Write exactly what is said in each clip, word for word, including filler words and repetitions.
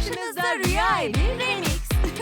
Karşınızda Rüya Evi Remix.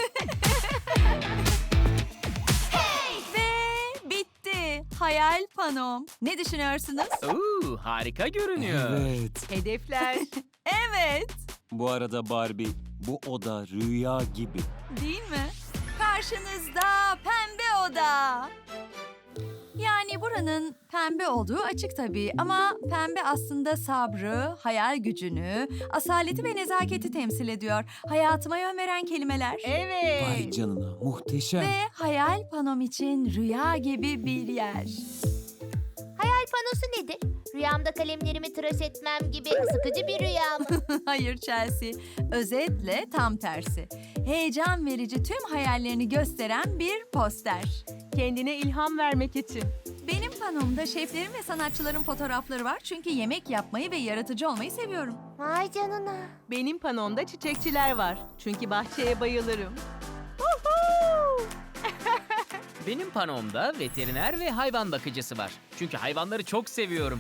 Ve bitti. Hayal panom. Ne düşünüyorsunuz? Oo, harika görünüyor. Evet. Hedefler. Evet. Bu arada Barbie, bu oda rüya gibi. Değil mi? Karşınızda pembe oda. Yani buranın pembe olduğu açık tabii ama pembe aslında sabrı, hayal gücünü, asaleti ve nezaketi temsil ediyor. Hayatıma yön veren kelimeler. Evet. Vay canına, muhteşem. Ve hayal panom için rüya gibi bir yer. Hayal panosu nedir? Rüyamda kalemlerimi tıraş etmem gibi sıkıcı bir rüya mı? Hayır Chelsea, özetle tam tersi. Heyecan verici tüm hayallerini gösteren bir poster. Kendine ilham vermek için. Benim panomda şeflerin ve sanatçıların fotoğrafları var çünkü yemek yapmayı ve yaratıcı olmayı seviyorum. Vay canına. Benim panomda çiçekçiler var. Çünkü bahçeye bayılırım. Benim panomda veteriner ve hayvan bakıcısı var. Çünkü hayvanları çok seviyorum.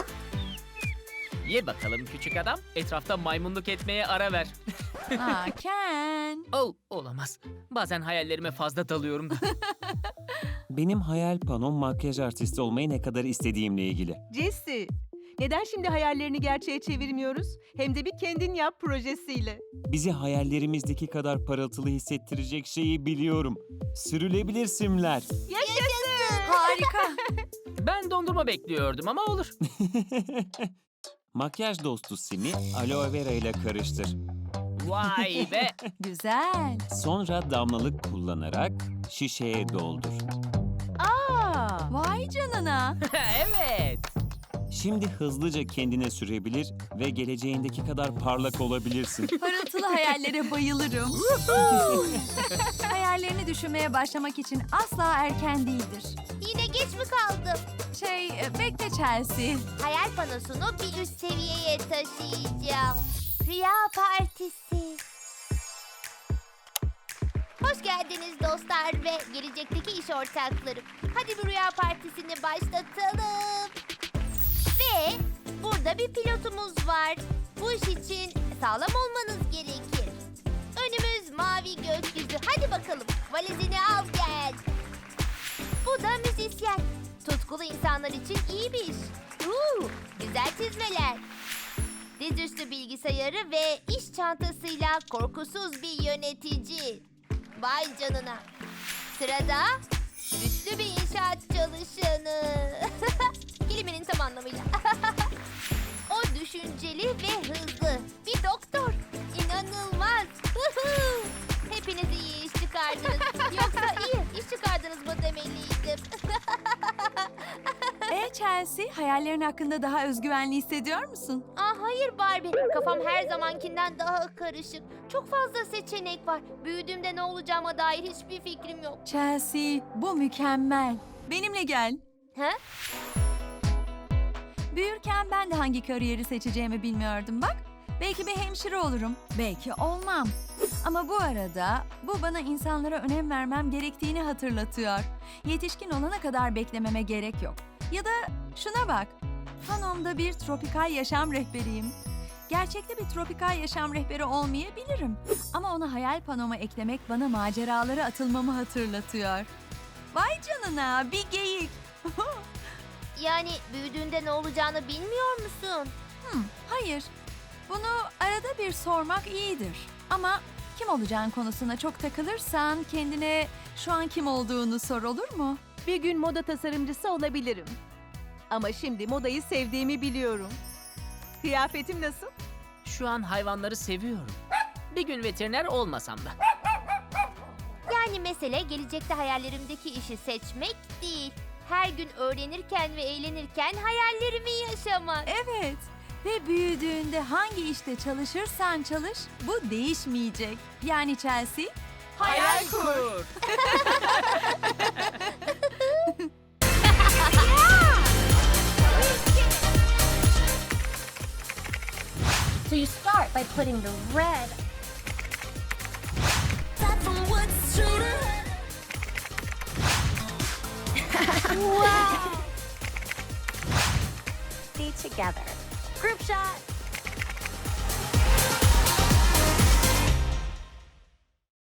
Ye bakalım küçük adam. Etrafta maymunluk etmeye ara ver. Aa Ken. Oh, olamaz. Bazen hayallerime fazla dalıyorum da. Benim hayal panom makyaj artisti olmayı ne kadar istediğimle ilgili. Jesse, neden şimdi hayallerini gerçeğe çevirmiyoruz? Hem de bir kendin yap projesiyle. Bizi hayallerimizdeki kadar parıltılı hissettirecek şeyi biliyorum. Sürülebilir simler. Harika. Ben dondurma bekliyordum ama olur. Makyaj dostu simi aloe vera ile karıştır. Vay be. Güzel. Sonra damlalık kullanarak şişeye doldur. Aa, Vay canına. Evet. Şimdi hızlıca kendine sürebilir ve geleceğindeki kadar parlak olabilirsin. Parıltılı hayallere bayılırım. Hayallerini düşünmeye başlamak için asla erken değildir. Yine geç mi kaldım? Şey, e, bekle Chelsea. Hayal panosunu bir üst seviyeye taşıyacağım. Rüya partisi. Hoş geldiniz dostlar ve gelecekteki iş ortaklarım. Hadi bir rüya partisini başlatalım. Ve burada bir pilotumuz var. Bu iş için sağlam olmanız gerekir. Önümüz mavi gökyüzü. Hadi bakalım valizini al gel. Bu da müzisyen. Tutkulu insanlar için iyi bir iş. Uuu, güzel çizmeler. Dizüstü bilgisayarı ve iş çantasıyla korkusuz bir yönetici. Vay canına. Sırada güçlü bir inşaat çalışanı. Kelimenin tam anlamıyla. O düşünceli ve hızlı. Bir doktor. İnanılmaz. Huhu. Hepiniz iyi iş çıkardınız. Yoksa iyi iş çıkardınız mı demeliydim. E Chelsea, hayallerin hakkında daha özgüvenli hissediyor musun? Aa, hayır Barbie. Kafam her zamankinden daha karışık. Çok fazla seçenek var. Büyüdüğümde ne olacağıma dair hiçbir fikrim yok. Chelsea, bu mükemmel. Benimle gel. Ha? Büyürken ben de hangi kariyeri seçeceğimi bilmiyordum bak. Belki bir hemşire olurum, belki olmam. Ama bu arada bu bana insanlara önem vermem gerektiğini hatırlatıyor. Yetişkin olana kadar beklememe gerek yok. Ya da şuna bak, panomda bir tropikal yaşam rehberiyim. Gerçekte bir tropikal yaşam rehberi olmayabilirim. Ama onu hayal panoma eklemek bana maceralara atılmamı hatırlatıyor. Vay canına, bir geyik. Yani büyüdüğünde ne olacağını bilmiyor musun? Hmm, hayır. Bunu arada bir sormak iyidir. Ama kim olacağın konusuna çok takılırsan kendine şu an kim olduğunu sor, olur mu? bir gün moda tasarımcısı olabilirim. Ama şimdi modayı sevdiğimi biliyorum. Kıyafetim nasıl? Şu an hayvanları seviyorum. Bir gün veteriner olmasam da. Yani mesele gelecekte hayallerimdeki işi seçmek değil. Her gün öğrenirken ve eğlenirken hayallerimi yaşamak. Evet. Ve büyüdüğünde hangi işte çalışırsan çalış, bu değişmeyecek. Yani Chelsea, Hayal kur. So you start by putting the red wow. See together. Group shot.